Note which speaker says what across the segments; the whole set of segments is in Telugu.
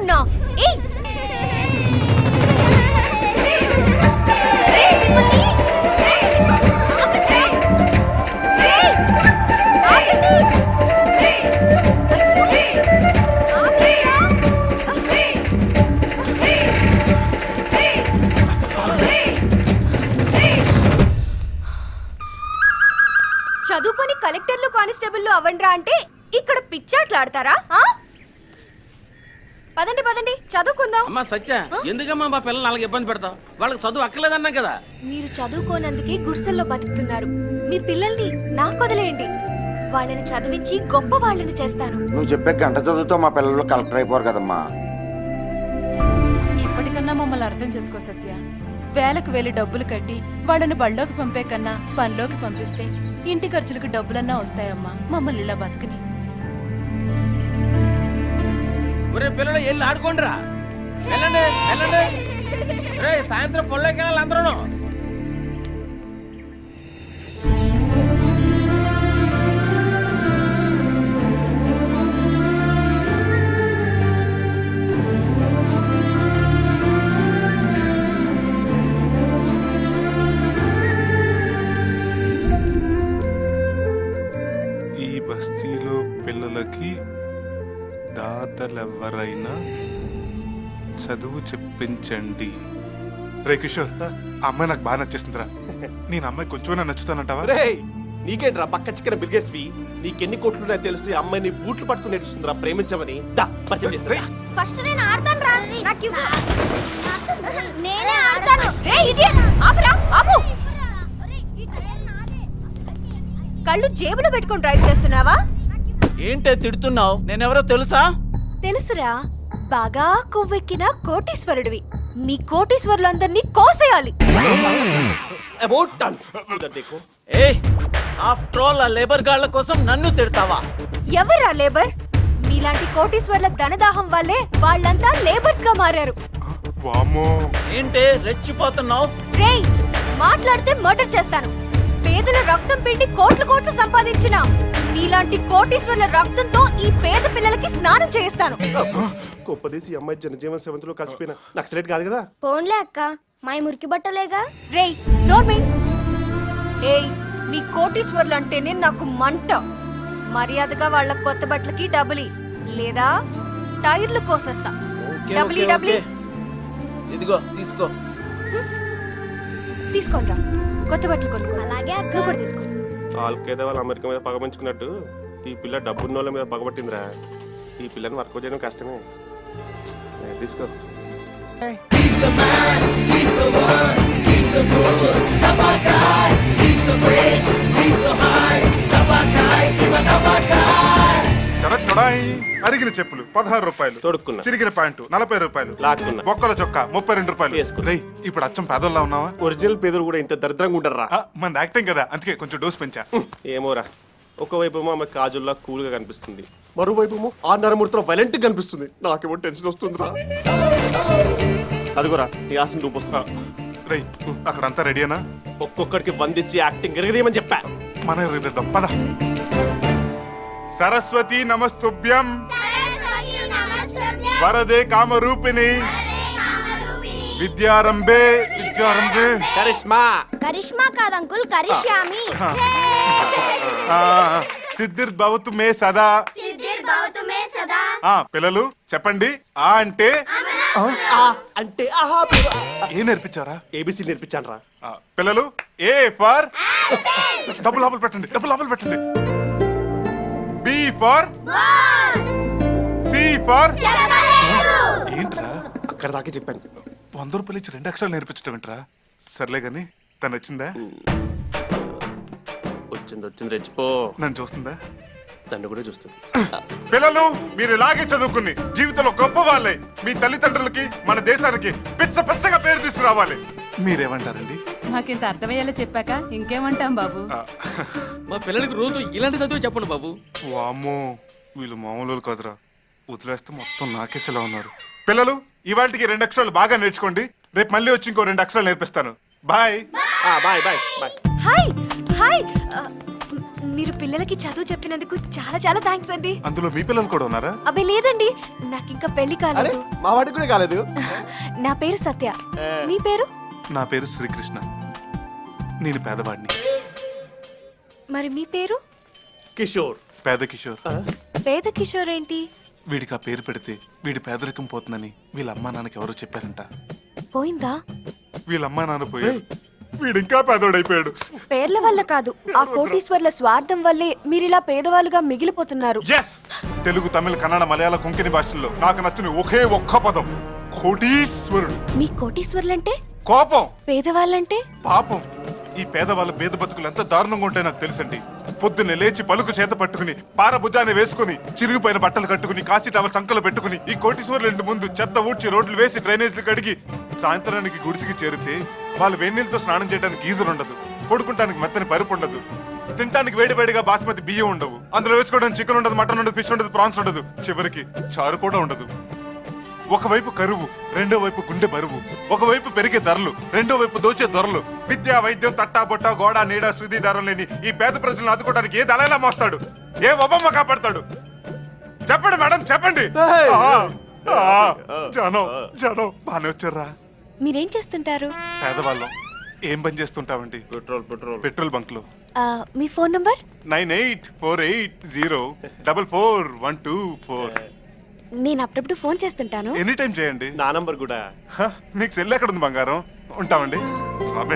Speaker 1: అన్నా ఏయ్ చదువుకొని కలెక్టర్లు కానిస్టేబుల్లు అవ్వండ్రా అంటే ఇక్కడ పిచ్చాట్లాడతారా? పదండి పదండి చదువుకుందాం.
Speaker 2: అమ్మా సత్య, ఎందుకమ్మా మా పిల్లలు అలాగే ఇబ్బంది పెడతావు? వాళ్ళకి చదువు అక్కర్లేదన్నా కదా.
Speaker 1: మీరు చదువుకోనందుకే గుడిసెల్లో బతుకుతున్నారు. మీ పిల్లల్ని నాకు వదిలేయండి. వాళ్ళని చదివించి గొప్ప వాళ్ళని చేస్తాను.
Speaker 3: నువ్వు చెప్పే గంట చదువుతో మా పిల్లలు కలెక్టర్ అయిపోరు కదమ్మా.
Speaker 4: ఇప్పటికన్నా మమ్మల్ని అర్థం చేసుకో సత్య. వేలకు వేలు డబ్బులు కట్టి వాళ్ళని బళ్ళోకి పంపే కన్నా పనిలోకి పంపిస్తే ఇంటి ఖర్చులకు డబ్బులన్నా వస్తాయమ్మా. మమ్మల్ని ఇలా బతుకుని.
Speaker 2: ఒరే పిల్లలు వెళ్ళి ఆడుకోండిరా. వెళ్ళండి వెళ్ళండి. రే సాయంత్రం పొలంలోకి వెళ్ళాలి అందరూ.
Speaker 5: ఈ బస్తీలో పిల్లలకి దాతలెవరైనా చదువు చెప్పించండి. రే కిషోర్, ఆ అమ్మాయి నాకు బాగా నచ్చేస్తుందిరా. నేను అమ్మాయి కొంచెం నచ్చుతానంటావా?
Speaker 6: నీకేంట్రా పక్క చిక్కన బిల్గేట్స్వి? నీకెన్ని కోట్లున్నాయో తెలిసి అమ్మాయిని బూట్లు పట్టుకుని నడుస్తుందిరా ప్రేమించమని.
Speaker 7: ఫస్ట్ నేను ఆడతాను రా. నాకు ఇవ్వు. నేనే ఆడతాను.
Speaker 1: రే ఇడియట్, ఆపురా ఆపు. కళ్ళు జేబులో పెట్టుకొని డ్రైవ్ చేస్తున్నావా?
Speaker 2: ఏంటే తిడుతున్నావు? నేనెవరో తెలుసా?
Speaker 1: తెలుసురా, బాగా కొవ్వెక్కిన కోటీశ్వరుడివి. మీ కోటీశ్వరులందరినీ కోసేయాలి.
Speaker 2: ఏయ్, ఆఫ్టర్ ఆల్ ఆ లేబర్ గాళ్ళ కోసం నన్ను తిడతావా?
Speaker 1: ఎవరా లేబర్? మీలాంటి కోటీశ్వర్ల ధనదాహం వల్లే వాళ్ళంతా లేబర్స్ గా మారారు.
Speaker 5: వామ్మో,
Speaker 2: ఏంటే రెచ్చిపోతున్నావు?
Speaker 1: రేయ్, మాట్లాడితే మర్డర్ చేస్తాను. పేదల రక్తం పిండి కోట్లు కోట్లు సంపాదించిన మీలాంటి కోటీశ్వర్ల రక్తంతో ఈ పేద పిల్లలకి స్నానం చేయిస్తాను.
Speaker 6: గొప్పదేసి అమ్మాయి జనజీవన సెవెంత్లో కలిసిపోయిన నక్సలైట్ కాదు కదా.
Speaker 7: పోన్లే అక్క, మా మురికి బట్టలేగా.
Speaker 1: రేయ్ నోర్మి. ఏయ్, మీ కోటీశ్వర్లు అంటేనే నాకు మంట. మర్యాదగా వాళ్ళ కొత్త బట్టలకి డబ్బులి, లేదా టైర్లు కోసేస్తా. డబ్బులి డబ్బులి.
Speaker 2: ఇదిగో తీసుకో.
Speaker 1: తీసుకోండి, కొత్త బట్టలు కొనుక్కో.
Speaker 7: అలాగే అక్క.
Speaker 1: నువ్వు కూడా తీసుకో.
Speaker 6: వాళ్ళకేదో వాళ్ళు అమెరికా మీద పగమంచుకున్నట్టు ఈ పిల్ల డబ్బున్న వాళ్ళ మీద పగబట్టిందిరా. ఈ పిల్లని వర్క్ చేయడం కష్టమే. తీసుకో.
Speaker 5: అరిగిన చెప్పులు 16 రూపాయలు,
Speaker 6: తొడుక్కున్నా.
Speaker 5: చిరిగిన ప్యాంటు 40 రూపాయలు,
Speaker 6: లాక్కున్నా.
Speaker 5: బొక్కల చొక్కా 32 రూపాయలు.
Speaker 6: వేసుకున్నా.
Speaker 5: రేయ్, ఇప్పుడు అచ్చం పేదోళ్ళ ఉన్నావా?
Speaker 6: ఒరిజినల్ పేదలు కూడా ఇంత దరిద్రంగా ఉండర్రా.
Speaker 5: మన యాక్టింగ్ కదా, అందుకే కొంచెం డోస్ పెంచా.
Speaker 6: ఏమోరా, ఒకవైపు ఆమె కాజుల్లా కూల్ గా కనిపిస్తుంది, మరోవైపు ఆ నరమూర్తిలో వైలెంట్ కనిపిస్తుంది. నాకేమో టెన్షన్ వస్తుందిరా. అదిగోరా నీ ఆశను దూపొస్తున్నా.
Speaker 5: రేయ్, అక్కడంతా రెడీనా?
Speaker 6: ఒక్కొక్కడికి వందిచ్చి యాక్టింగ్ ఎరగదేమని చెప్పా.
Speaker 5: మన ఎరగదిద్దాం పద. సరస్వతి నమస్తుభ్యం వరదే కామరూపిణి విద్యారంభే విద్యారంభే.
Speaker 6: కరిష్మా.
Speaker 7: కరిష్మా కాదు అంకుల్, కరిష్యామి.
Speaker 5: సిద్ధిర్భవతు మే సదా. పిల్లలు చెప్పండి. ఆ అంటే
Speaker 6: అంటే
Speaker 5: ఏ నేర్పించారా?
Speaker 6: ఏబిసి నేర్పించాను రా.
Speaker 5: పిల్లలు ఏ ఫర్ డబ్బులు లోపల పెట్టండి, డబ్బులు లోపల పెట్టండి. B for C for. ఏంట్రా
Speaker 6: అక్కడ దాకా చెప్పాను.
Speaker 5: 100 రూపాయలు ఇచ్చి 2 అక్షరాలు నేర్పించడం ఏంట్రా? సర్లే గాని తను వచ్చిందా?
Speaker 6: వచ్చింది రెచ్చిపో.
Speaker 5: నన్ను చూస్తుందా?
Speaker 6: నన్ను కూడా చూస్తుంది.
Speaker 5: పిల్లలు మీరు ఇలాగే చదువుకుని జీవితంలో గొప్ప వాళ్ళే మీ తల్లిదండ్రులకి మన దేశానికి పిచ్చ పిచ్చగా పేరు తీసుకురావాలి. మీరేమంటారండి?
Speaker 4: మాకింత అర్థమయ్యేలా చెప్పాక ఇంకేమంటాం బాబు.
Speaker 2: మా పిల్లలకి రోజు ఇలాంటి చదువు చెప్పండి బాబు.
Speaker 5: వామ్మో, వీళ్ళు మామూలు కాదురా. వదిలేస్తే మొత్తం నాకేసేలా ఉన్నారు. పిల్లలు ఇవాళకి 2 అక్షరాలు బాగా నేర్చుకోండి. రేపు మళ్ళీ వచ్చి ఇంకో 2 అక్షరాలు నేర్పిస్తాను. Bye
Speaker 6: bye bye bye.
Speaker 1: Hi hi. మీరు పిల్లలకి చదువు చెప్పినందుకు చాలా చాలా థ్యాంక్స్ అండి.
Speaker 5: అందులో మీ పిల్లలు కూడా ఉన్నారా?
Speaker 1: అబ్బే లేదండి, నాకు ఇంకా పెళ్లి కాలేదు.
Speaker 8: మా వాడికి కూడా కాలేదు.
Speaker 1: నా పేరు సత్య. మీ పేరు?
Speaker 5: నా పేరు శ్రీకృష్ణ. నేను పేదవాడిని.
Speaker 1: మరి మీ పేరు?
Speaker 8: కిషోర్.
Speaker 5: పేద కిషోర్.
Speaker 1: పేద కిషోర్ ఏంటి?
Speaker 5: వీడికి ఆ పేరు పెడితే వీడి పేదరికం పోతుందని వీళ్ళ అమ్మా నాన్నకి ఎవరో చెప్పారంట.
Speaker 1: పోయిందా?
Speaker 5: వీళ్ళ అమ్మా నాన్న పోయి వీడు ఇంకా పేదోడైపోయాడు.
Speaker 1: పేర్ల వల్ల కాదు, ఆ కోటీశ్వర్ల స్వార్థం వల్లే మీరిలా పేదవాళ్ళుగా మిగిలిపోతున్నారు.
Speaker 5: ఎస్, తెలుగు, తమిళ, కన్నడ, మలయాళ, కొంకణి భాషల్లో నాకు నచ్చిన ఒకే ఒక్క పదం కోటీశ్వరుడు.
Speaker 1: మీ కోటీశ్వర్లంటే?
Speaker 5: కోపం.
Speaker 1: పేదవాళ్ళంటే?
Speaker 5: పాపం. ఈ పేదవాళ్ళ పేద బతుకులు ఎంత దారుణంగా ఉంటాయో నాకు తెలుసండి. పొద్దున్నే లేచి పలుకు చేత పట్టుకుని, పార భుజాన్ని వేసుకుని, చిరిగిపోయిన బట్టలు కట్టుకుని, కాశీ టవల్ సంకలు పెట్టుకుని, ఈ కోటీశ్వర్ల ఇంటి ముందు చెత్త ఊడ్చి, రోడ్లు వేసి, డ్రైనేజీలు కడిగి, సాయంత్రానికి గుడిసికి చేరితే వాళ్ళు వేడినీళ్ళతో స్నానం చేయడానికి గీజర్ ఉండదు, పడుకుంటానికి మెత్తని పరుపు ఉండదు, తినడానికి వేడివేడిగా బాస్మతి బియ్యం ఉండవు, అందులో వేసుకోవడానికి చికెన్ ఉండదు, మటన్ ఉండదు, ఫిష్ ఉండదు, ప్రాన్స్ ఉండదు, చివరికి చారు కూడా ఉండదు. ఒకవైపు కరువు, రెండో వైపు గుండె బరువు, ఒకవైపు పెరిగే ధరలు, రెండో వైపు దోచే ధరలు. విద్య, వైద్యం, తట్టా బొట్ట, గోడ, నీడ, సూది ధరలు లేని ఈ పేద ప్రజలను ఆదుకోవడానికి ఏ దళైనా మోస్తాడు, ఏ ఒబమ్మ కాపాడతాడు? చెప్పండి మేడం, చెప్పండి. జనం బానే వచ్చారా?
Speaker 1: మీరేం చేస్తుంటారు?
Speaker 5: పేదవాళ్ళం. ఏం పని చేస్తుంటామండి? పెట్రోల్ బంక్ లో.
Speaker 1: మీ ఫోన్ నంబర్?
Speaker 5: 9848044124.
Speaker 1: నేను అప్పుడప్పుడు ఫోన్ చేస్తుంటాను.
Speaker 5: ఎనీ టైం చేయండి.
Speaker 6: నా నంబర్ కూడా.
Speaker 5: హ, మీకు సెల్ ఎక్కడ ఉంది బంగారం? ఉంటామండి. బాబే.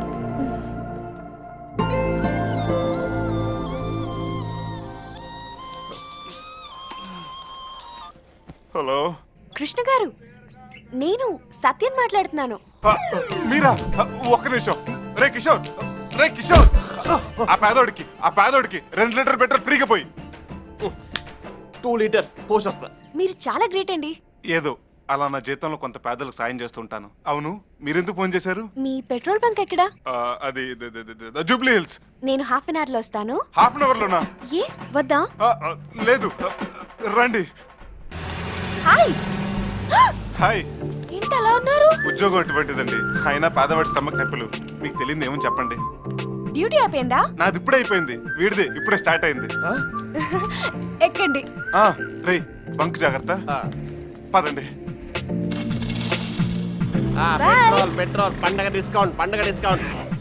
Speaker 5: హలో.
Speaker 1: కృష్ణ గారు, నేను సత్యం మాట్లాడుతున్నాను.
Speaker 5: హ, మీరా? హ, ఒక్క నిమిషం. రే కిషోర్, రే కిషోర్, ఆ పేదోడికి 2 లీటర్ పెట్రోల్ ఫ్రీగా పోయి.
Speaker 8: 2 లీటర్స్ పోషొస్తా.
Speaker 1: మీరు చాలా గ్రేట్ అండి.
Speaker 5: ఏదో అలా నా జీతంలో కొంత పేదలకు సాయం చేస్తుంటాను. అవును, మీరెందుకు ఫోన్ చేశారు?
Speaker 1: మీ పెట్రోల్ బంక్ ఎక్కడా?
Speaker 5: అది జూబ్లీ హిల్స్.
Speaker 1: నేను హాఫ్ అన్ అవర్ లో వస్తాను.
Speaker 5: హాఫ్ అన్ అవర్ లోనా?
Speaker 1: ఏ వద్దా?
Speaker 5: లేదు, రండి.
Speaker 1: హాయ్.
Speaker 5: హాయ్.
Speaker 1: ఏంటి అలా ఉన్నారు?
Speaker 5: ఉద్యోగం అటువంటిదండి. అయినా పేదవాడి స్టమక్ నొప్పులు. మీకు తెలియదు ఏమని చెప్పండి.
Speaker 1: డ్యూటీ అయిపోయిందా?
Speaker 5: నాది ఇప్పుడే అయిపోయింది. వీడిది ఇప్పుడే స్టార్ట్ అయింది.
Speaker 1: ఎక్కండి.
Speaker 5: రే బంక్ జాగ్రత్త. పదండి.
Speaker 8: పెట్రోల్ పండగ డిస్కౌంట్.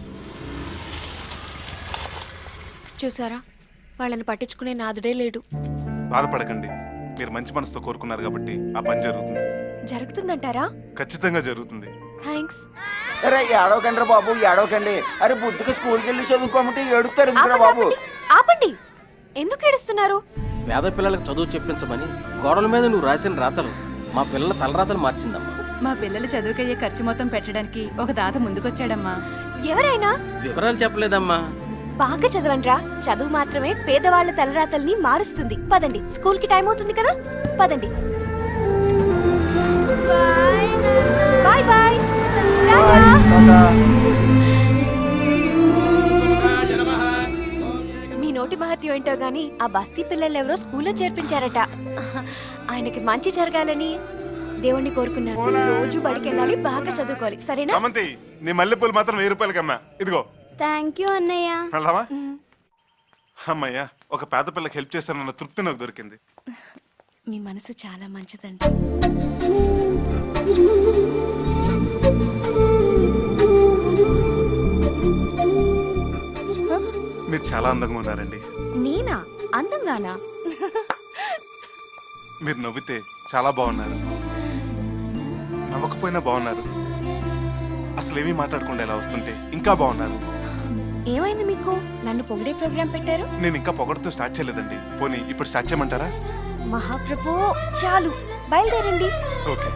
Speaker 1: చూసారా, వాళ్ళని పట్టించుకునే నాదుడే లేడు.
Speaker 5: బాధపడకండి, మీరు మంచి మనసుతో కోరుకున్నారు కాబట్టి ఆ పని జరుగుతుంది.
Speaker 1: జరుగుతుందంటారా?
Speaker 5: ఖచ్చితంగా జరుగుతుంది.
Speaker 1: థ్యాంక్స్.
Speaker 3: అరే ఏడవకండి బాబు, ఏడవకండి. అరే బుద్ధికి స్కూల్కి వెళ్ళి చదువుకోమంటే ఏడుస్తారు ఎందుకురా బాబు?
Speaker 1: ఆపండి. ఎందుకు ఏడుస్తున్నారు?
Speaker 2: పేద పిల్లలకు చదువు చెప్పించమని గోడల మీద నువ్వు రాసిన రాతలు మా పిల్లల తలరాతలు మార్చిందమ్మా.
Speaker 4: మా పిల్లల చదువుకయ్యే ఖర్చు మొత్తం పెట్టడానికి ఒక దాత ముందుకొచ్చాడమ్మా.
Speaker 1: ఎవరైనా?
Speaker 2: వివరాలు చెప్పలేదమ్మా.
Speaker 1: బాగా చదవండ్రా. చదువు మాత్రమే పేదవాళ్ల తలరాతల్ని మారుస్తుంది. పదండి, స్కూల్ కి టైం అవుతుంది కదా. పదండి. Bye bye. మీ నోటి మహత్యం ఏంటో గాని ఆ బస్తీ పిల్లలు ఎవరో స్కూల్లో చేర్పించారట. ఆయనకి మంచి జరగాలని దేవుణ్ణి కోరుకున్నాను. రోజు బడికి వెళ్ళాలి, బాగా చదువుకోవాలి. సరేనా?
Speaker 5: సమంతి, నీ మల్లెపూలు మాత్రం 1000 రూపాయలకమ్మా. ఇదిగో.
Speaker 7: థ్యాంక్ యూ అన్నయ్య.
Speaker 5: వెళ్దామా? అమ్మయ్యా, ఒక పేద పిల్లకి హెల్ప్ చేస్తానన్న తృప్తి నాకు దొరికింది.
Speaker 1: మీ మనసు చాలా మంచిదండి.
Speaker 5: మీరు చాలా అందంగా ఉన్నారండి.
Speaker 1: నేనా అందంగానా?
Speaker 5: మీరు నవ్వితే చాలా బాగున్నారు, నవ్వకపోయినా బాగున్నారు, అసలు ఏమీ మాట్లాడకుండా ఇలా వస్తుంటే ఇంకా బాగున్నారు.
Speaker 1: ఏమైంది మీకు? నన్ను పొగిడే ప్రోగ్రాం పెట్టారు.
Speaker 5: నేను ఇంకా పొగడుతూ స్టార్ట్ చేయలేదండి. పోనీ ఇప్పుడు స్టార్ట్ చేయమంటారా?
Speaker 1: మహాప్రభు, చాలు, బయలుదేరండి.
Speaker 5: ఓకే.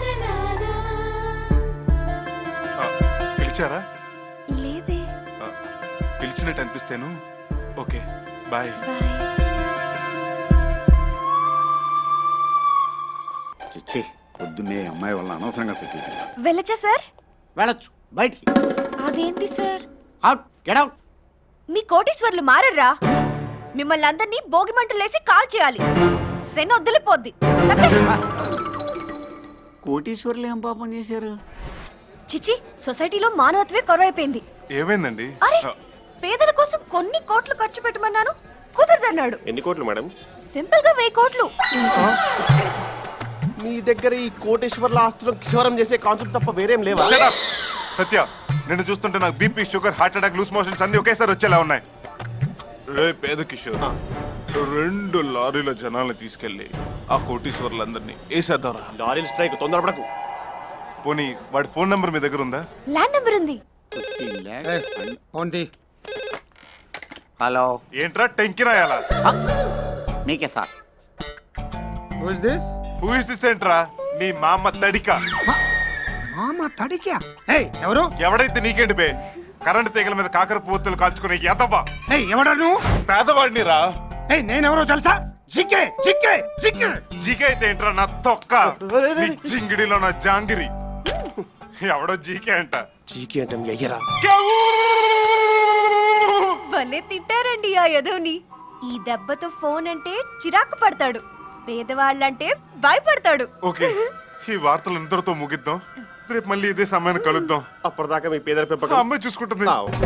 Speaker 5: పిలిచారా?
Speaker 1: లేదే.
Speaker 5: పిలిచినట్టు అనిపిస్తేను. Okay, bye.
Speaker 1: బాయ్.
Speaker 9: చిచ్చి, పొద్దున్నే అమ్మాయి వల్ల అనవసరంగా తిట్టింది.
Speaker 1: వెళ్ళచ్చా సార్?
Speaker 2: వెళ్ళొచ్చు, బయటికి.
Speaker 1: అదేంటి సార్?
Speaker 2: Out, get out.
Speaker 1: మీ కోటీశ్వర్లు మారర్రా? మిమ్మల్ని అందరినీ భోగి మంటలేసి కాల్ చేయాలి. శని వదిలిపోద్ది.
Speaker 9: కోటీశ్వర్లు ఏం పాపం చేశారు?
Speaker 1: చిచి, సొసైటీలో మానవత్వే కొరవైపోయింది.
Speaker 5: ఏమైందండి?
Speaker 1: అరే, పేదల కోసం కొన్ని కోట్లు ఖర్చు పెట్టమన్నాను, కుదరదన్నాడు.
Speaker 6: ఎన్ని కోట్లు మేడం?
Speaker 1: సింపుల్ గా 1000 కోట్లు.
Speaker 8: మీ దగ్గర ఈ కోటేశ్వర్ల ఆస్తులను క్షవరం చేసే కాన్సెప్ట్ తప్ప వేరేం లేవా?
Speaker 5: Shut up! సత్య, నిన్ను చూస్తుంటే నాకు BP, sugar, heart attack, loose motions అన్ని ఒకేసారి వచ్చేలా ఉన్నాయి. రే పేద కిషోర్, 2 లారీల జనాల్ని తీసుకెళ్లి ఆ కోటీశ్వర్లందరినీ వేసేద్దారా.
Speaker 8: లారీల స్ట్రైక్, తొందరపడకు.
Speaker 5: పోనీ వాడి ఫోన్ నంబర్ మీ దగ్గర ఉందా?
Speaker 1: ల్యాండ్ నెంబర్ ఉంది.
Speaker 3: హలో,
Speaker 5: ఏంట్రా టెంకి రాయాలా?
Speaker 3: మీకే సార్.
Speaker 5: హూ ఇస్ దిస్ ఏంట్రా? నీ మామ తడిక.
Speaker 3: మామ తడికా? ఎవరు?
Speaker 5: ఎవడైతే నీకేంటి బే? కరెంట్ తీగల మీద కాకర పువ్వుతులు కాల్చుకునే ఎదవా.
Speaker 3: ఎవడా నువ్వు?
Speaker 5: పేదవాడిని రా.
Speaker 3: నేనెవరో తెలుసా? జిక్కే జిక్కే జిక్కే.
Speaker 5: జీకే అయితే ఏంట్రా నా తొక్క? నీ జింగిడిలో నా జాంగిరి. ఎవడో జీకే అంట.
Speaker 8: చీకి అంటే మీ అయ్యరా.
Speaker 1: భలే తిట్టారండి ఆ యదోని. ఈ దెబ్బతో ఫోన్ అంటే చిరాకు పడతాడు, పేదవాళ్ళంటే భయపడతాడు.
Speaker 5: ఓకే, ఈ వార్తలు ఇంతటితో ముగిద్దాం. రేపు మళ్ళీ ఇదే సమయాన్ని కలుద్దాం.
Speaker 8: అప్పటిదాకా మీ పేదల
Speaker 5: ఆ
Speaker 8: పెంపకం
Speaker 5: అమ్మాయి చూసుకుంటుంది.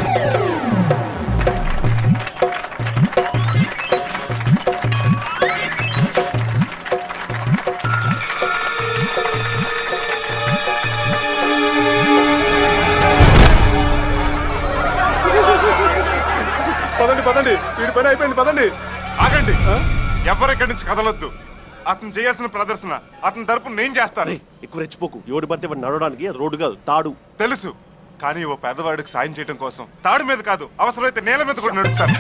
Speaker 5: పదండి పదండి, వీడి పని అయిపోయింది, పదండి. ఆగండి, ఎవరెక్కడి నుంచి కదలొద్దు. అతను చేయాల్సిన ప్రదర్శన అతని తరపున నేను చేస్తాను.
Speaker 8: ఎక్కువ రెచ్చిపోకు. ఎవడు పడితే వాడు నడవడానికి రోడ్డు కాదు, తాడు.
Speaker 5: తెలుసు, కానీ ఓ పేదవాడికి సాయం చేయడం కోసం తాడు మీద కాదు, అవసరమైతే నేల మీద కూడా నడుస్తాను.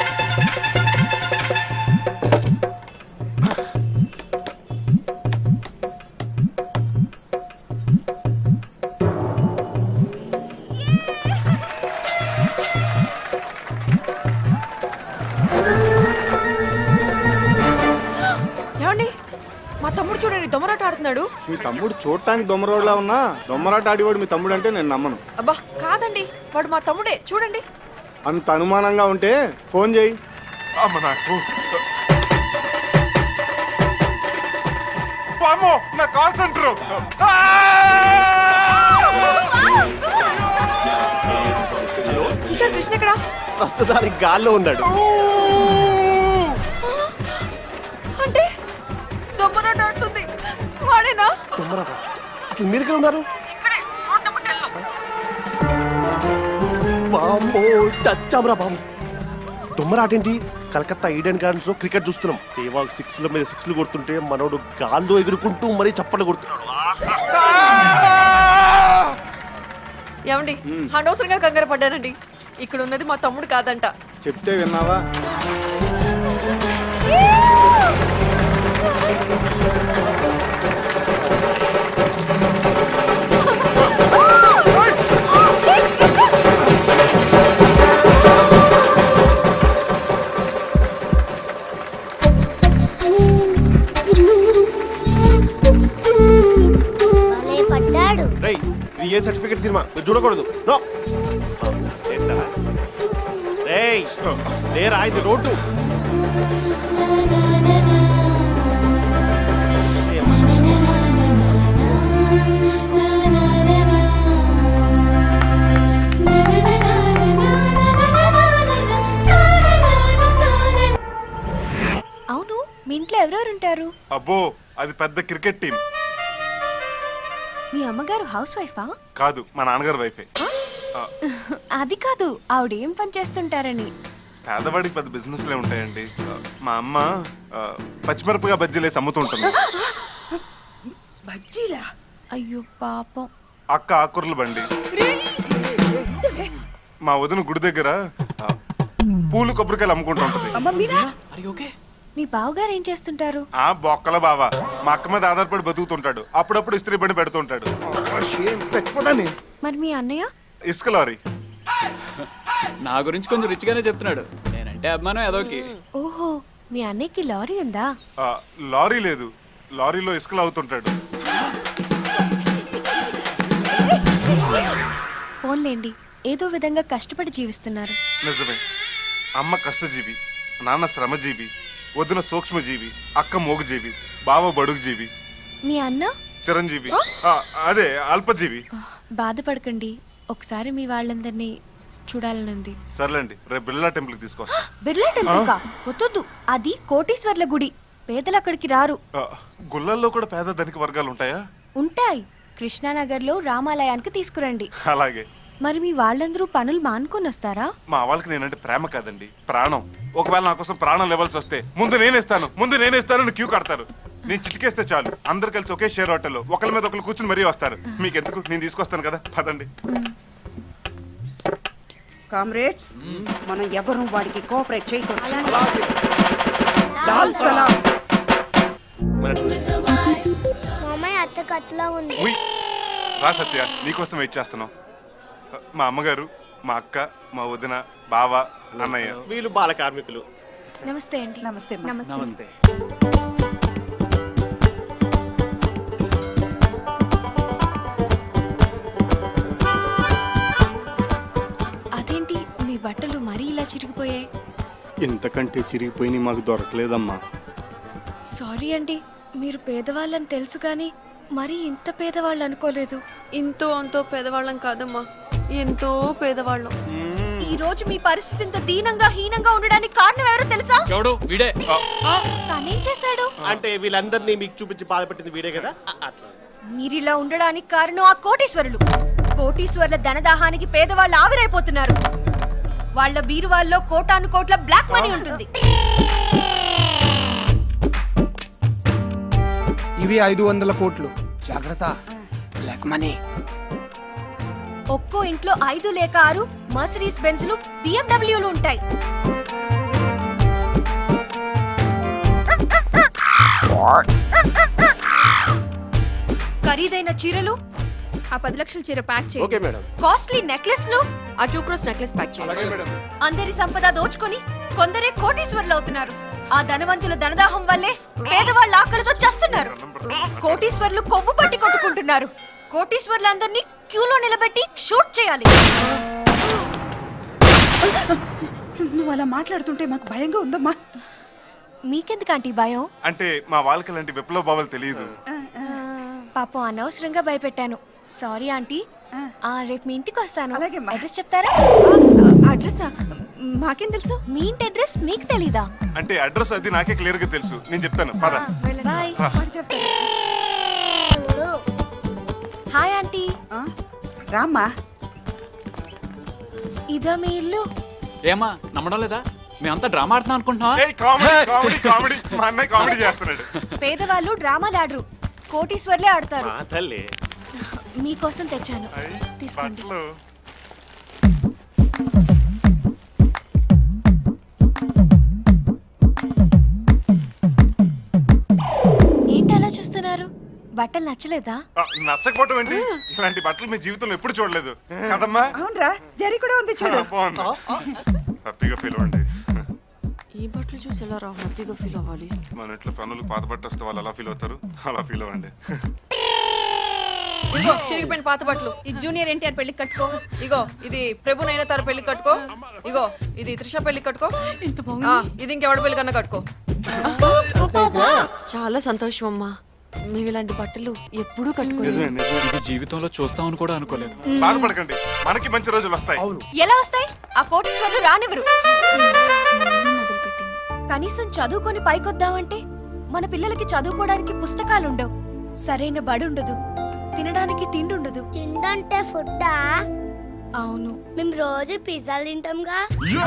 Speaker 4: ఏమండి, మా తమ్ముడు చూడండి దొమ్మరాట ఆడుతున్నాడు.
Speaker 10: మీ తమ్ముడు చూడటానికి దొమ్మరోడ్లా ఉన్నా దొమ్మరాట ఆడివాడు మీ తమ్ముడు అంటే నేను నమ్మను.
Speaker 4: అబ్బా కాదండి, వాడు మా తమ్ముడే చూడండి.
Speaker 10: అంత అనుమానంగా ఉంటే ఫోన్ చేయి.
Speaker 5: అమ్మ నాకు వామ్మో, నా కాల్ సెంటర్.
Speaker 4: కిషోర్ కృష్ణ ఎక్కడ?
Speaker 8: ప్రస్తుతానికి గాల్లో ఉన్నాడు.
Speaker 4: అంటే దొమ్మరాట ఆడుతుంది వాడేనా?
Speaker 8: దొమ్మరాట? అసలు మీరు ఎక్కడ ఉన్నారు?
Speaker 4: ఇక్కడే రోడ్ నెంబర్ 10 లో.
Speaker 8: బామ్మో, చచ్చామరా బాబు. దొమ్మరాట ఏంటి? కలకత్తా ఈడెన్ గార్డెన్స్ లో క్రికెట్ చూస్తున్నాం. సేవాగ్ 6ల మీద 6లు కొడుతుంటే మనోడు గాల్లో ఎగురుకుంటూ మరీ చప్పట్లు కొడుతున్నాడు.
Speaker 4: ఏమండి, అనవసరంగా కంగారు పడ్డానండి. ఇక్కడ ఉన్నది మా తమ్ముడు కాదంట.
Speaker 10: చెప్తే విన్నావా?
Speaker 7: భలే పడ్డాడు.
Speaker 8: రేయ్, ఇది ఏ సర్టిఫికెట్ సినిమా? మీరు చూడకూడదు. నో. చేస్తావా? రేయ్, లేరా, ఇది రోడ్డు.
Speaker 1: అవును, మీ ఇంట్లో ఎవరెవరు ఉంటారు?
Speaker 5: అబ్బో, అది పెద్ద క్రికెట్ టీం.
Speaker 1: మీ అమ్మగారు హౌస్ వైఫా?
Speaker 5: కాదు, మా నాన్నగారు వైఫే.
Speaker 1: అది కాదు, ఆవిడ ఏం పని చేస్తుంటారని.
Speaker 5: పేదవాడికి పెద్ద బిజినెస్లే ఉంటాయండి. మా అమ్మ పచ్చిమిరపగా బజ్జీలేసి అమ్ముతుంటుంది.
Speaker 1: అయ్యో పాపం.
Speaker 5: అక్క ఆకుర్ల బండి. మా వదిన గుడి దగ్గర పూలు కొబ్బరికాయలు అమ్ముకుంటూ ఉంటుంది.
Speaker 1: మీ బావగారు ఏం చేస్తుంటారు?
Speaker 5: ఆ బొక్కల బావా మా అక్క మీద ఆధారపడి బతుకుతుంటాడు. అప్పుడప్పుడు ఇస్త్రీ బండి పెడుతుంటాడు.
Speaker 1: మరి మీ అన్నయ్య?
Speaker 5: ఇసుక లారీ.
Speaker 11: నా గురించి కొంచెం రిచ్గానే చెప్తున్నాడు. నేనంటే అభిమానం ఏదోకి.
Speaker 1: ఓహో, మీ అన్నయ్యకి లారీ ఉందా?
Speaker 5: లారీ లేదు, లారీలో ఇసుకలు అవుతుంటాడు.
Speaker 1: ఫోన్లేండి, ఏదో విధంగా కష్టపడి జీవిస్తున్నారు.
Speaker 5: నిజమే, అమ్మ కష్టజీవి, నాన్న శ్రమజీవి, వదిన సూక్ష్మజీవి, అక్క మోగుజీవి, బావ బడుగుజీవి,
Speaker 1: మీ అన్న
Speaker 5: చిరంజీవి, అదే అల్పజీవి.
Speaker 1: బాధపడకండి, ఒకసారి మీ వాళ్ళందరినీ
Speaker 4: చూడాలనుంది.
Speaker 5: సర్లేండి, రేపు బిర్లా టెంపుల్కి తీసుకొస్తా.
Speaker 1: బిర్లా టెంపుల్ కా వద్దు, అది కోటీశ్వర్ల గుడి, పేదలు అక్కడికి రారు.
Speaker 5: గుళ్ళల్లో కూడా పేద ధనిక వర్గాలు ఉంటాయా?
Speaker 1: ఉంటాయి. కృష్ణానగర్లో రామాలయానికి తీసుకురండి.
Speaker 5: అలాగే.
Speaker 1: మరి మీ వాళ్ళందరూ పనులు మానుకొని వస్తారా?
Speaker 5: మా వాళ్ళకి నేనంటే ప్రేమ కాదండి, ప్రాణం. ఒకవేళ నా కోసం ప్రాణం లెవెల్స్ వస్తే ముందు నేనేస్తాను క్యూ కడతారు. నేను చిటికేస్తే చాలు, అందరు కలిసి ఒకే షేర్ హోటల్లో ఒకరి మీద ఒకరు కూర్చుని మరీ వస్తారు. మీకు ఎందుకు, నేను తీసుకొస్తాను కదా, పదండి.
Speaker 12: కామ్రేడ్స్, మనం ఎవరు వాడికి కోఆపరేట్ చేయకూడదు. లాల్ సలాం.
Speaker 7: మామయ్య అత్త కట్లా ఉంది.
Speaker 5: ఉయ్, రా సత్య, నీకోసం వెయిట్ చేస్తున్నాం. మా అమ్మగారు, మా అక్క, మా వదిన, బావ, అన్నయ్య.
Speaker 8: వీళ్ళు బాల కార్మికులు.
Speaker 1: నమస్తే అండి.
Speaker 12: నమస్తే అమ్మా.
Speaker 11: నమస్తే.
Speaker 1: అదేంటి మీ బట్టలు మరీ ఇలా చిరిగిపోయాయి?
Speaker 10: ఇంతకంటే చిరిగిపోయి మాకు దొరకలేదమ్మా.
Speaker 1: సారీ అండి, మీరు పేదవాళ్ళని తెలుసు కానీ మరీ ఇంత పేదవాళ్ళు అనుకోలేదు.
Speaker 12: ఇంతో అంతో పేదవాళ్ళం కాదమ్మా, ఎంతో పేదవాళ్ళం.
Speaker 1: ఈ రోజు మీ పరిస్థితి ఇంత దీనంగా హీనంగా ఉండడానికి కారణం ఎవరో తెలుసా?
Speaker 11: ఎవడు వీడే.
Speaker 1: తనేం చేశాడు?
Speaker 8: అంటే వీళ్ళందరినీ మీకు చూపించి బాధపెట్టింది వీడే కదా, అట్లా.
Speaker 1: మీరిలా ఉండడానికి కారణం ఆ కోటీశ్వరులు. కోటీశ్వరుల ధనదాహానికి పేదవాళ్ళు ఆవిరైపోతున్నారు. వాళ్ళ బీరువాల్లో కోటాను కోట్ల బ్లాక్ మనీ ఉంటుంది.
Speaker 2: ఇవి 500 కోట్లు. జాగ్రత్త, బ్లాక్ మనీ.
Speaker 1: ఒక్కో ఇంట్లో 5 లేక 6 మర్సిడీస్ బెంజ్లు, బిఎండబ్ల్యూలు ఉంటాయి. ఖరీదైన చీరలు, ఆ 10 లక్షల చీర ప్యాక్
Speaker 8: ఓకే
Speaker 1: చేయండి.
Speaker 8: మేడం.
Speaker 1: కాస్ట్లీ నెక్లెస్లు, ఆ 2 crores నెక్లెస్ ప్యాక్ చేయండి. అందరి సంపద దోచుకొని కొందరే కోటీశ్వరులు అవుతున్నారు. ఆ ధనవంతుల ధనదాహం వల్లే పేదవాళ్ళ ఆకలితో చస్తున్నారు. కోటీశ్వరులు కొవ్వు పట్టి కొట్టుకుంటున్నారు. కోటీశ్వరులందరినీ క్యూలో నిలబెట్టి షూట్ చేయాలి.
Speaker 12: నువ్వు అలా మాట్లాడుతుంటే మాకు భయంగా ఉందమ్మా.
Speaker 1: మీకెందుకు ఆంటీ భయం?
Speaker 5: అంటే మా వాళ్ళకి ఇలాంటి విప్లవ భావాలు తెలియదు.
Speaker 1: పాపం అనవసరంగా భయపెట్టాను. Sorry aunty. రేపు మీ ఇంటికి వస్తాను.
Speaker 12: అలాగేమ్మా.
Speaker 1: అడ్రస్ చెప్తారా? అడ్రస్ మాకేం తెలుసు? మీ ఇంటి అడ్రస్ మీకు తెలీదా?
Speaker 5: అంటే అడ్రస్ అది నాకే క్లియర్ గా తెలుసు, నేను చెప్తాను, పద.
Speaker 1: బాయ్.
Speaker 12: వాడు చెప్తాడు.
Speaker 1: Hi aunty.
Speaker 12: రామ్మా.
Speaker 1: ఇదా మీ ఇల్లు?
Speaker 11: ఏమా నమ్మడం లేదా? మేమంతా డ్రామా ఆడుతున్నాం అనుకుంటున్నావా?
Speaker 5: ఏయ్, కామెడీ కామెడీ కామెడీ, మా అన్నయ్య కామెడీ చేస్తున్నాడు.
Speaker 1: పేదవాళ్ళు డ్రామాలు ఆడరు, కోటీశ్వర్లే ఆడతారు.
Speaker 8: ఆ తల్లి.
Speaker 1: మీకోసం తెచ్చాను,
Speaker 5: ఐ,
Speaker 1: తీసుకోండి.
Speaker 5: బట్టలు.
Speaker 1: ఏంటి అలా చూస్తున్నారు? బట్టలు నచ్చలేదా?
Speaker 5: నచ్చకపోవటం ఏంటి? ఇలాంటి బట్టలు మీ జీవితంలో ఎప్పుడు చూడలేదు కదమ్మా.
Speaker 12: అవునరా, జరి కూడా ఉంది చూడు.
Speaker 5: బాగుంది, హ్యాపీగా ఫీల్ అవ్వండి.
Speaker 12: ఈ బట్టలు చూసి ఎలా రా హ్యాపీగా ఫీల్ అవ్వాలి?
Speaker 5: మన ఇంట్లో పనులు పాత బట్ట వస్తే వాళ్ళు ఎలా ఫీల్ అవుతారు, అలా ఫీల్ అవ్వండి.
Speaker 13: ఇగో చిరిగిపోయిన పాత బట్టలు. ఇది జూనియర్ ఎన్టీఆర్ పెళ్లికి కట్టుకో. ఇగో ఇది ప్రభు నైనతార పెళ్లికి కట్టుకో. ఇగో ఇది త్రిష పెళ్లికి కట్టుకో. ఇది ఇంకెవడ పెళ్లి కన్నా కట్టుకో.
Speaker 12: చాలా సంతోషం అమ్మా, మేము ఇలాంటి బట్టలు ఎప్పుడూ కట్టుకోలేదు.
Speaker 11: ఇది జీవితంలో చూస్తామని కూడా అనుకోలేదు.
Speaker 5: బాధపడకండి, మనకి మంచి రోజులు వస్తాయి.
Speaker 1: ఎలా వస్తాయి? ఆ కోటీశ్వర్లు రానివ్వరు. మొదలుపెట్టింది. కనీసం చదువుకొని పైకొద్దామంటే మన పిల్లలకి చదువుకోవడానికి పుస్తకాలుండవు, సరైన బడుండదు, తినడానికి తిండుండదు.
Speaker 7: తిండంటే ఫుడ్డా?
Speaker 1: అవును.
Speaker 7: మేము రోజు పిజ్జాలు తింటాంగా.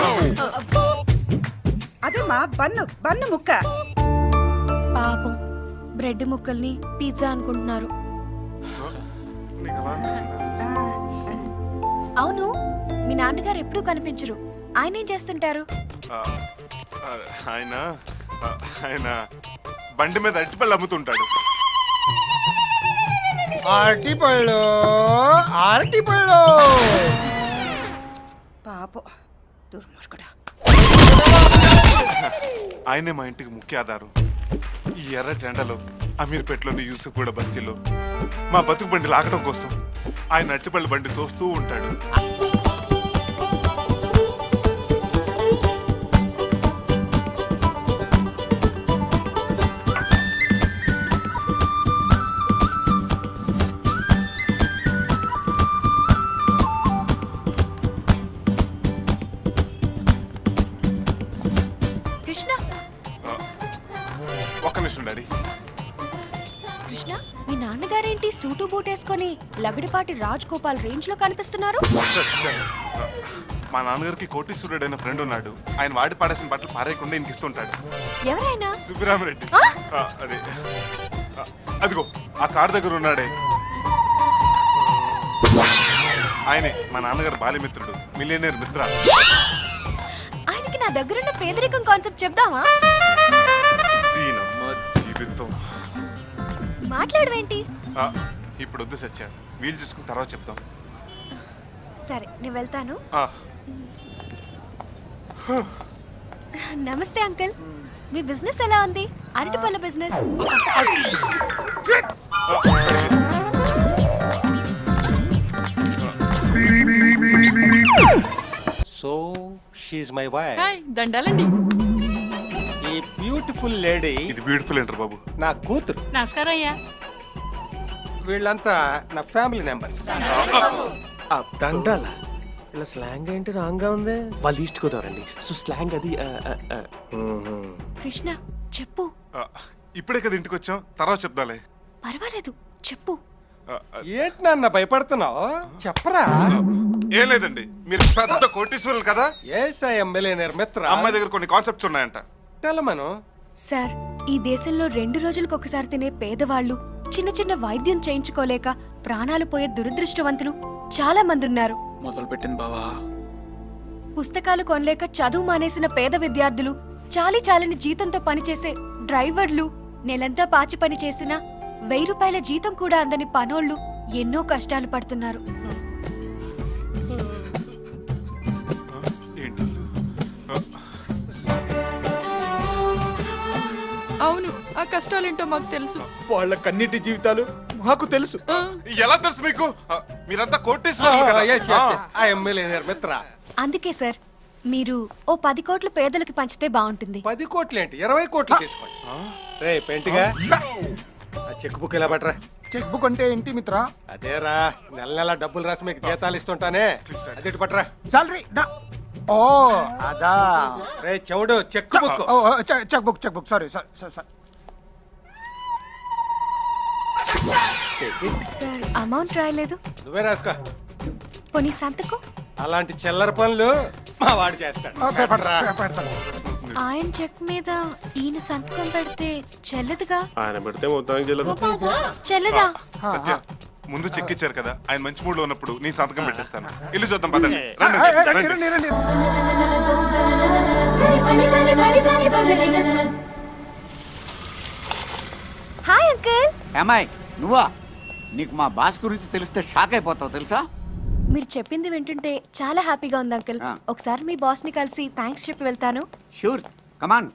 Speaker 12: అదేమ్మా, బన్ను బన్ను ముక్క.
Speaker 1: పాపం బ్రెడ్ ముక్కల్ని పిజ్జా అనుకుంటున్నారు.
Speaker 5: నీకు అలా అనిపించిందా?
Speaker 1: అవును, మీ నాన్నగారు ఎప్పుడూ కనిపించరు. ఆయన ఏం చేస్తుంటారు?
Speaker 5: ఆ, ఆ, ఆయన ఆయన బండి మీద అరటిపళ్ళు అమ్ముతుంటాడు.
Speaker 2: అరటిపళ్ళు
Speaker 12: పాపం దుర్మార్గుడా.
Speaker 5: ఆయనే మా ఇంటికి ముఖ్య ఆధారం. ఈ ఎర్ర టెండలో అమీర్పేటలోని యూసుఫ్ కూడా బస్తీలో మా బతుకు బండి లాగడం కోసం ఆయన అరటిపళ్ళు బండి తోస్తూ ఉంటాడు.
Speaker 1: కృష్ణ మీ నాన్నగారేంటి సూటు బూటేసుకొని లగడిపాటి రాజ్ గోపాల్ రేంజ్ లో కనిపిస్తున్నారు?
Speaker 5: మా నాన్నగారికి కోటీశ్వరుడు అయిన ఫ్రెండ్ ఉన్నాడు. ఆయన వాడి పాడేసిన బట్టలు పారేయకుండా ఇంకిస్తుంటాడు.
Speaker 1: ఎవరైనా?
Speaker 5: సుబ్బిరామరెడ్డి. అదే అదిగో ఆ కార్ దగ్గర ఉన్నాడే, ఆయనే మా నాన్నగారు బాల్యమిత్రుడు, మిలియనేర్ మిత్ర.
Speaker 1: ఆయనకి నా దగ్గరున్న పేదరికం కాన్సెప్ట్ చెప్దామా?
Speaker 5: దీనమ్మ జీవితం.
Speaker 1: మాట్లాడవేంటి?
Speaker 5: ఇప్పుడు వద్దు సత్య, వీలు చూసుకుని తర్వాత చెప్తాం.
Speaker 1: సరే నేను వెళ్తాను. నమస్తే అంకుల్, మీ బిజినెస్ ఎలా ఉంది? అరటిపళ్ళ business.
Speaker 8: So she my wife.
Speaker 13: దండాలండి.
Speaker 8: ఈ బ్యూటిఫుల్ లేడీ
Speaker 5: ఇది బ్యూటిఫుల్ ఏంటర్ బాబు.
Speaker 8: నా కూతురు.
Speaker 13: నమస్కారం అయ్యా.
Speaker 8: వీళ్ళంతా నా ఫ్యామిలీ మెంబర్స్. దండాల ఇలా స్లాంగ్ ఏంటి రాంగ్ గా ఉంది? వాళ్ళు ఈస్ట్ గోదావరండి, సో స్లాంగ్ అది.
Speaker 1: కృష్ణ చెప్పు.
Speaker 5: ఇప్పుడే కదా ఇంటికి వచ్చాం, తర్వాత చెప్దాలే.
Speaker 1: పర్వాలేదు చెప్పు.
Speaker 8: ఏంటి నాన్న భయపడుతున్నావు? చెప్పరా.
Speaker 5: ఏం లేదండి, మీరు పెద్ద కోటీశ్వరులు కదా.
Speaker 8: మిలియనేర్ మిత్ర.
Speaker 5: అమ్మాయి దగ్గర కొన్ని కాన్సెప్ట్స్ ఉన్నాయంట.
Speaker 8: తెలమను
Speaker 1: సార్, ఈ దేశంలో 2 రోజులకు ఒకసారి తినే పేదవాళ్ళు, చిన్న చిన్న వైద్యం చేయించుకోలేక ప్రాణాలు పోయే దురదృష్టవంతులు చాలా మంది ఉన్నారు.
Speaker 11: మొదలు పెట్టింది బావా.
Speaker 1: పుస్తకాలు కొనలేక చదువు మానేసిన పేద విద్యార్థులు, చాలని జీతంతో పనిచేసే డ్రైవర్లు, నెలంతా పాచి పని చేసిన 1000 రూపాయల జీతం కూడా అందని పనోళ్ళు ఎన్నో కష్టాలు పడుతున్నారు.
Speaker 5: ఏంటి?
Speaker 13: అవును, ఆ కష్టాలేంటో మాకు తెలుసు.
Speaker 10: వాళ్ళ కన్నిటి జీవితాలు మాకు తెలుసు.
Speaker 5: ఎలా తెలుసు మీకు? మీరంతా కోటీశ్వరులు కదా.
Speaker 8: మిలియనేర్ మిత్ర.
Speaker 1: అందుకే సార్, మీరు ఓ 10 కోట్లు పేదలకు పంచితే బాగుంటుంది.
Speaker 8: 10 కోట్లు ఏంటి, 20 కోట్లు తీసుకోండి. రే పెంటిగా, చెక్ బుక్ ఎలా పట్టరా?
Speaker 3: చెక్ బుక్ అంటే ఏంటి మిత్ర?
Speaker 8: అదేరా, నెల నెల డబ్బులు రాసి మీకు జీతాలు ఇస్తుంటానే, అదే పట్టరా.
Speaker 3: సాలరీ. ఓ అదా.
Speaker 8: రే చెవుడు, cheque book.
Speaker 3: Cheque book sorry sir.
Speaker 1: Sir amount రాయలేదు.
Speaker 8: నువ్వే రాసుకో.
Speaker 1: పోనీ సంతకం.
Speaker 8: అలాంటి చిల్లర పనులు మా వాడు చేస్తాడు.
Speaker 1: ఆయన చెక్ మీద ఈయన సంతకం పెడితే చెల్లదుగా.
Speaker 6: ఆయన పెడితే మొత్తానికి చెల్లదు.
Speaker 1: చెల్లదా?
Speaker 5: సత్య, ముందు చెక్ ఇచ్చారు కదా, ఆయన మంచి మూడ్ లో ఉన్నప్పుడు నేను సంతకం పెట్టేస్తాను. ఇల్లు చూద్దాం పదండి. రండి.
Speaker 1: Hi uncle.
Speaker 9: అమ్మాయి నువ్వా? నీకు మా బాస్ గురించి తెలిస్తే షాక్ అయిపోతావు తెలుసా.
Speaker 1: మీరు చెప్పింది వింటుంటే చాలా హ్యాపీగా ఉంది అంకుల్. ఒకసారి మీ బాస్ ని కలిసి థ్యాంక్స్ చెప్పి వెళ్తాను.
Speaker 9: Sure, come on.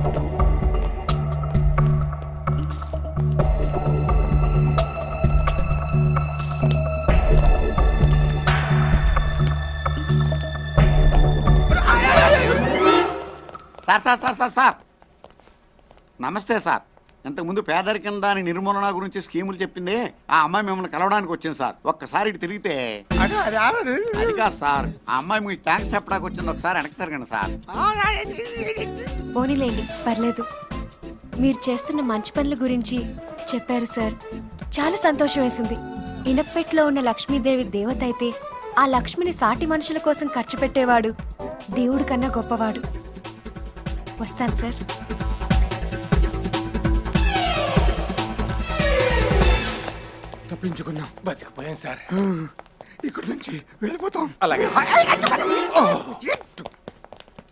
Speaker 9: సార్ నమస్తే సార్. ఇంతకుముందు పేదరికం దాని నిర్మూలన గురించి స్కీములు చెప్పింది ఆ అమ్మాయి మిమ్మల్ని కలవడానికి వచ్చింది సార్. ఒక్కసారి ఇటు తిరిగితే అది కాదు సార్, ఆ అమ్మాయి మీకు థ్యాంక్స్ చెప్పడానికి వచ్చింది. ఒకసారి వెనక్కి తిరగండి సార్.
Speaker 1: పోనీలేండి, పర్లేదు. మీరు చేస్తున్న మంచి పనుల గురించి చెప్పారు సార్, చాలా సంతోషం వేసింది. ఇనప్పెట్లో ఉన్న లక్ష్మీదేవి దేవత అయితే ఆ లక్ష్మిని సాటి మనుషుల కోసం ఖర్చు పెట్టేవాడు దేవుడి కన్నా గొప్పవాడు. వస్తాను సార్.
Speaker 3: తప్పించుకున్నాం, బతికిపోయాం సార్. ఇక్కడ నుంచి వెళ్ళిపోతాం.
Speaker 8: అలాగే.